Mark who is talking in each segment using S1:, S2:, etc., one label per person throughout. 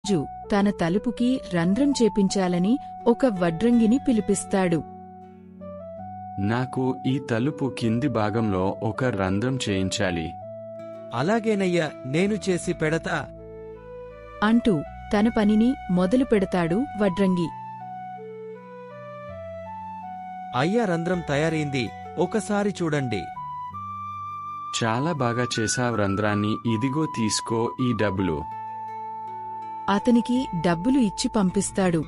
S1: రాజు తన తలుపుకి రంధ్రం చేపించాలని ఒక వడ్రంగిని పిలిపిస్తాడు.
S2: నాకు ఈ తలుపు కింది భాగంలో ఒక రంధ్రం చేయించాలి.
S3: అలాగేనయ్యా, నేను చేసి పెడతా
S1: అంటూ తన పనిని మొదలు పెడతాడు వడ్రంగి.
S3: అయ్యా, రంధ్రం తయారైంది, ఒకసారి చూడండి.
S2: చాలా బాగా చేశావ్ రంధ్రాన్ని. ఇదిగో తీసుకో ఈ డబ్బులు.
S1: అతనికి డబ్బులు ఇచ్చి పంపిస్తాడు.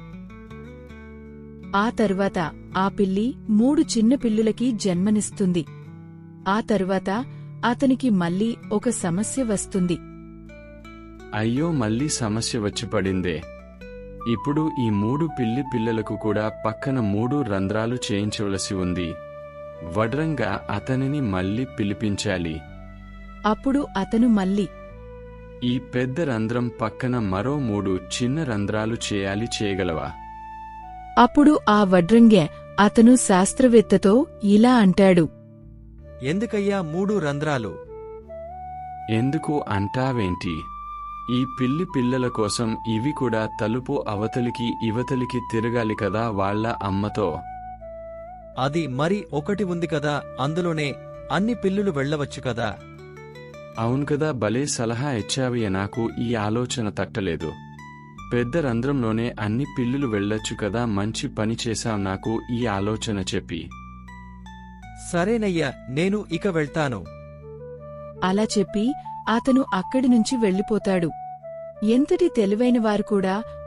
S1: ఆ తరువాత ఆ పిల్లి 3 చిన్న పిల్లులకి జన్మనిస్తుంది. ఆ తరువాత అతనికి మళ్ళీ ఒక సమస్య వస్తుంది.
S2: అయ్యో, మళ్ళీ సమస్య వచ్చి పడిందే. ఇప్పుడు ఈ 3 పిల్లి పిల్లలకు కూడా పక్కన 3 రంధ్రాలు చేయించవలసి ఉంది. వడ్రంగా అతనిని మళ్ళీ పిలిపించాలి.
S1: అప్పుడు అతను మళ్ళీ
S2: ఈ పెద్ద రంధ్రం పక్కన మరో 3 చిన్న రంధ్రాలు చేయగలవా?
S1: అప్పుడు ఆ వడ్రంగే అతను శాస్త్రవేత్తతో ఇలా అంటాడు.
S3: ఎందుకయ్యా 3 రంధ్రాలు?
S2: ఎందుకు అంటావేంటి? ఈ పిల్లి పిల్లల కోసం ఇవి కూడా తలుపు అవతలికి ఇవతలికి తిరగాలి కదా వాళ్ళ అమ్మతో.
S3: అది మరి ఒకటి ఉంది కదా, అందులోనే అన్ని పిల్లులు వెళ్ళవచ్చు కదా.
S2: అవును కదా, భలే సలహా ఇచ్చావయ్య. నాకు ఈ ఆలోచన తట్టలేదు. పెద్ద రంధ్రంలోనే అన్ని పిల్లులు వెళ్ళొచ్చు కదా. మంచి పని చేశావ్ నాకు ఈ ఆలోచన చెప్పి.
S3: సరేనయ్యా, నేను ఇక వెళ్తాను.
S1: అలా చెప్పి అతను అక్కడి నుంచి వెళ్ళిపోతాడు. ఎంతటి తెలివైనవారు కూడా